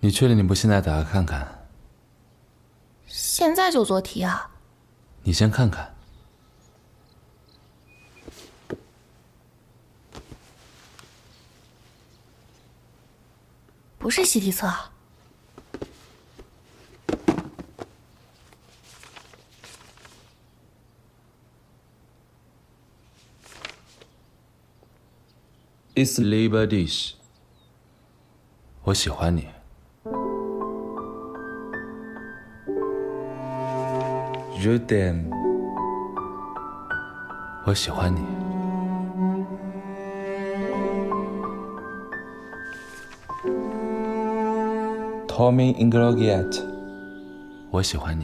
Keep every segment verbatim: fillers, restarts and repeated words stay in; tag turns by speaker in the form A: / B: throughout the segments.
A: 你确定你不现在打开看看？
B: 现在就做题啊？
A: 你先看看。
B: 不是习题册啊。
A: It's Labor Dish。我喜欢你。Je t'aime。我喜欢你。Tommy Inglogiet。我喜欢你。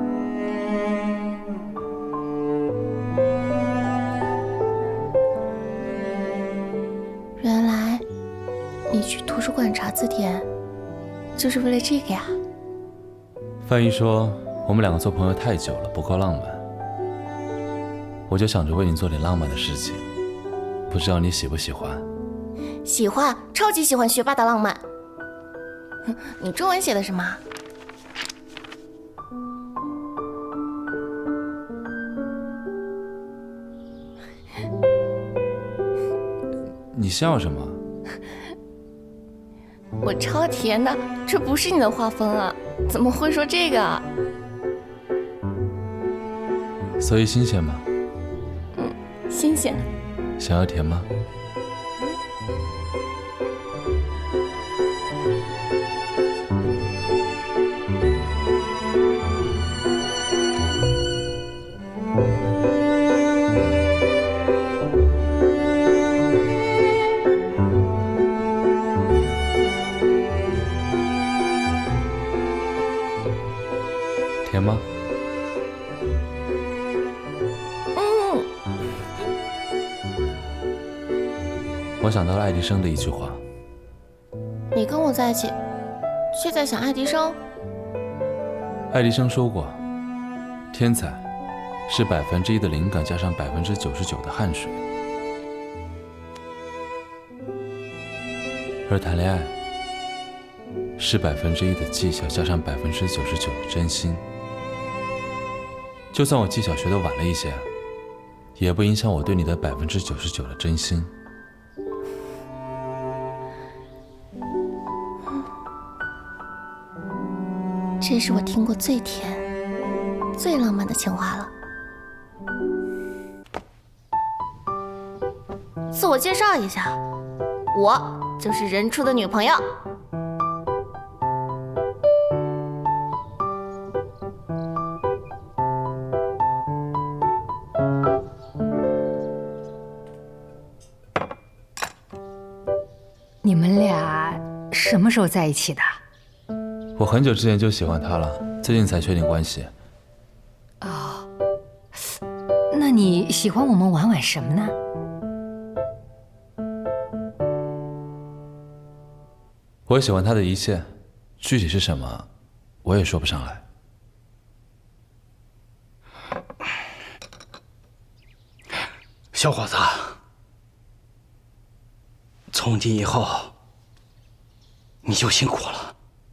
B: 原来你去图书馆查字典，就是为了这个呀？
A: 范一说我们两个做朋友太久了，不够浪漫，我就想着为你做点浪漫的事情，不知道你喜不喜欢？
B: 喜欢，超级喜欢学霸的浪漫。你中文写的什么？
A: 你笑什么？
B: 我超甜的，这不是你的画风啊，怎么会说这个啊？
A: 所以新鲜吗？
B: 嗯，新鲜。
A: 想要甜吗？甜吗？
B: 嗯。
A: 我想到了爱迪生的一句话。
B: 你跟我在一起，却在想爱迪生？
A: 爱迪生说过，天才是百分之一的灵感加上百分之九十九的汗水，而谈恋爱是百分之一的技巧加上百分之九十九的真心。就算我技巧学得晚了一些，也不影响我对你的百分之九十九的真心。
B: 这是我听过最甜、最浪漫的情话了。自我介绍一下，我就是任初的女朋友。
C: 你们俩什么时候在一起的？
A: 我很久之前就喜欢他了，最近才确定关系。
C: 哦，那你喜欢我们婉婉什么呢？
A: 我喜欢他的一切，具体是什么，我也说不上来。
D: 小伙子，从今以后你就辛苦了。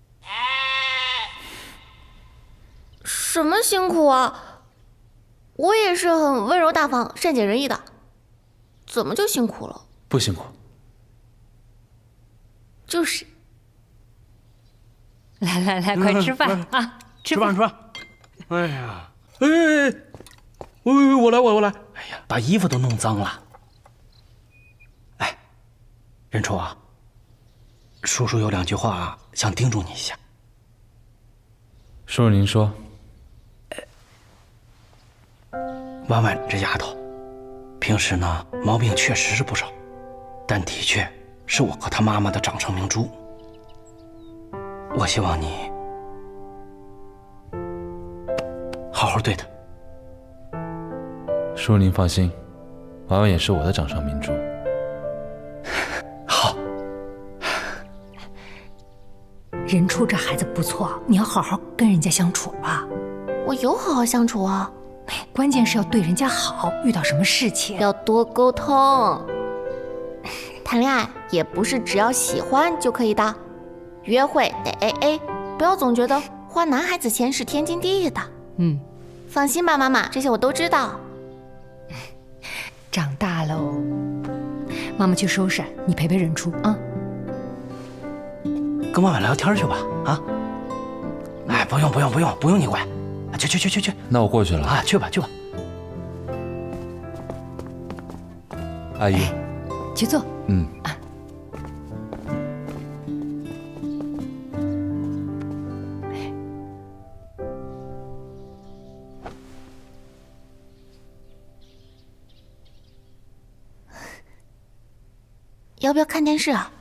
B: 什么辛苦啊？我也是很温柔大方、善解人意的，怎么就辛苦了？
A: 不辛苦。
B: 就是。
C: 来来来，快吃饭啊！
D: 吃饭吃饭。哎呀，哎哎哎，我我来我我来。哎呀，把衣服都弄脏了。哎，任初啊，叔叔有两句话想叮嘱你一下。
A: 叔叔您说。
D: 婉婉这丫头，平时呢毛病确实是不少，但的确是我和她妈妈的掌上明珠。我希望你好好对她。
A: 叔叔您放心，婉婉也是我的掌上明珠。
D: 好。
C: 任初这孩子不错，你要好好跟人家相处吧。
B: 我有好好相处啊。
C: 关键是要对人家好，遇到什么事情
B: 要多沟通。谈恋爱也不是只要喜欢就可以的， 约会得 A A， 不要总觉得花男孩子钱是天经地义的。
C: 嗯，
B: 放心吧，妈妈，这些我都知道。
C: 长大喽，妈妈去收拾，你陪陪任初啊。
D: 跟妈妈聊天去吧，啊？哎，不用不用不用不用你管，去去去去去。
A: 那我过去了
D: 啊，去吧去吧。
A: 阿姨，
C: 去坐。
A: 嗯。
B: 要不要看电视啊？